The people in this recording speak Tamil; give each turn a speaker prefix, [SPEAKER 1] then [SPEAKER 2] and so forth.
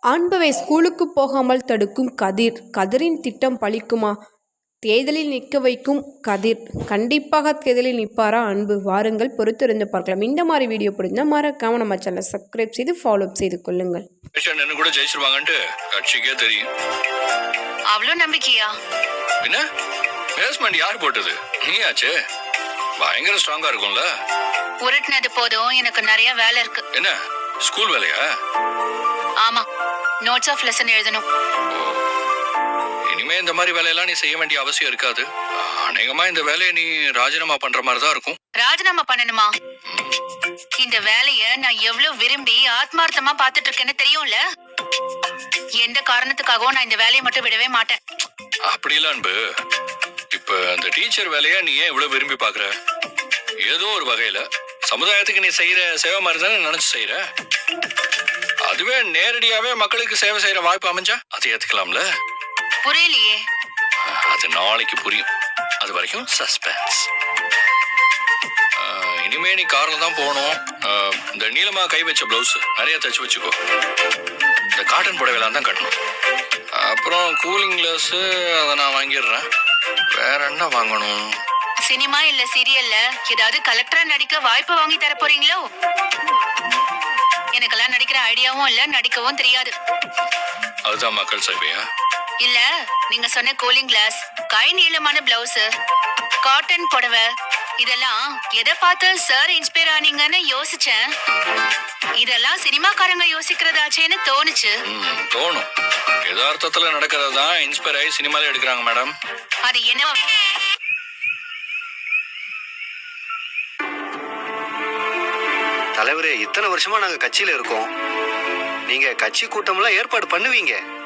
[SPEAKER 1] அன்புவை ஸ்கூலுக்கு போகாமல் தடுக்கும் கதிர். கதிரின் திட்டம் பலிக்குமா? தேர்தலில் நிற்க வைக்கும் கதிர். கண்டிப்பாக தேர்தலில் நிற்பாரா அன்பு? வாருங்கள் பொறுத்திருந்து பார்க்கலாம். இந்த மாதிரி வீடியோ பிடிச்சா மறக்காம நம்ம சேனலை சப்ஸ்கிரைப் செய்து ஃபாலோ செய்து கொள்ளுங்கள்.
[SPEAKER 2] கூட ஜெயிச்சிருவாங்கன்ட்டு கட்சிக்கே தெரியும்.
[SPEAKER 3] அவ்வளோ நம்பிக்கையா?
[SPEAKER 2] என்ன பேஸ்மெண்ட் யார் போட்டது? நீயாச்சே. பயங்கர ஸ்ட்ராங்கா இருக்கும்ல.
[SPEAKER 3] உருட்டுனது போதும், எனக்கு நிறைய வேலை இருக்கு.
[SPEAKER 2] என்ன ஸ்கூல் வேலையா?
[SPEAKER 3] ஆமா, நோட்ஸ் ஆஃப் லெசன் எழுதணும்.
[SPEAKER 2] இனிமே இந்த மாதிரி வேலையெல்லாம் நீ செய்ய வேண்டிய அவசியம் இருக்காது. அநேகமா இந்த வேலையை நீ ராஜினாமா பண்ற மாதிரி தான் இருக்கும்.
[SPEAKER 3] ராஜினாமா பண்ணணுமா? இந்த வேலைய நான் எவ்வளவு விரும்பி ஆத்மார்த்தமா பாத்துட்டு இருக்கேன்னு தெரியும்ல. எந்த காரணத்துக்காகவும் நான் இந்த வேலையை மட்டும் விடவே மாட்டேன்.
[SPEAKER 2] அப்படி இல்ல அன்பு. இப்ப அந்த டீச்சர் வேலைய நீ ஏன் இவ்வளவு விரும்பி பாக்குற? ஏதோ ஒரு வகையில சமுதாயத்துக்கு நீ செய்யற சேவை மாதிரி தானே நினைச்சு செய்யற. அதுவே நேரடியாவே மக்களுக்கு சேவை செய்யற வாய்ப்பு அமைஞ்சா அதை ஏத்துக்கலாம்ல.
[SPEAKER 3] புரியலையே.
[SPEAKER 2] அது நாளைக்கு புரியும். அது வரைக்கும் சஸ்பென்ஸ். இனிமே நீ கார்ல தான் போகணும். இந்த நீளமா கை வச்ச பிளவுஸ் நிறைய தச்சு வச்சுக்கோ. இந்த காட்டன் புடவைலாம் தான் கட்டணும். அப்புறம் கூலிங் கிளாஸ் அதை நான் வாங்கிடுறேன். வேற என்ன வாங்கணும்?
[SPEAKER 3] சினிமா இல்ல சீரியல்ல ஏதாவது கலெக்டரா நடிக்க வாய்ப்பு வாங்கி தர போறீங்களோ? எனக்கெல்லாம் நடிக்கிற ஐடியாவும் இல்ல, நடிக்கவும் தெரியாது.
[SPEAKER 2] அதுதான் மக்கள் சேவையா?
[SPEAKER 3] இல்ல, நீங்க சொன்ன கூலிங் கிளாஸ், கை நீளமான பிளவுஸ், காட்டன் புடவை, இதெல்லாம் எதை பார்த்து சார் இன்ஸ்பயர் ஆனீங்கன்னு யோசிச்சேன். இதெல்லாம் சினிமாக்காரங்க யோசிக்கிறதாச்சேன்னு தோணுச்சு.
[SPEAKER 2] தோணும். யதார்த்தத்துல நடக்கிறதான் இன்ஸ்பயர் ஆகி சினிமால எடுக்கிறாங்க மேடம்.
[SPEAKER 3] அது என்ன?
[SPEAKER 4] தலைவரே, இத்தனை வருஷமா நாங்க கட்சியில இருக்கோம். நீங்க கட்சி கூட்டம்லாம் ஏற்பாடு பண்ணுவீங்க.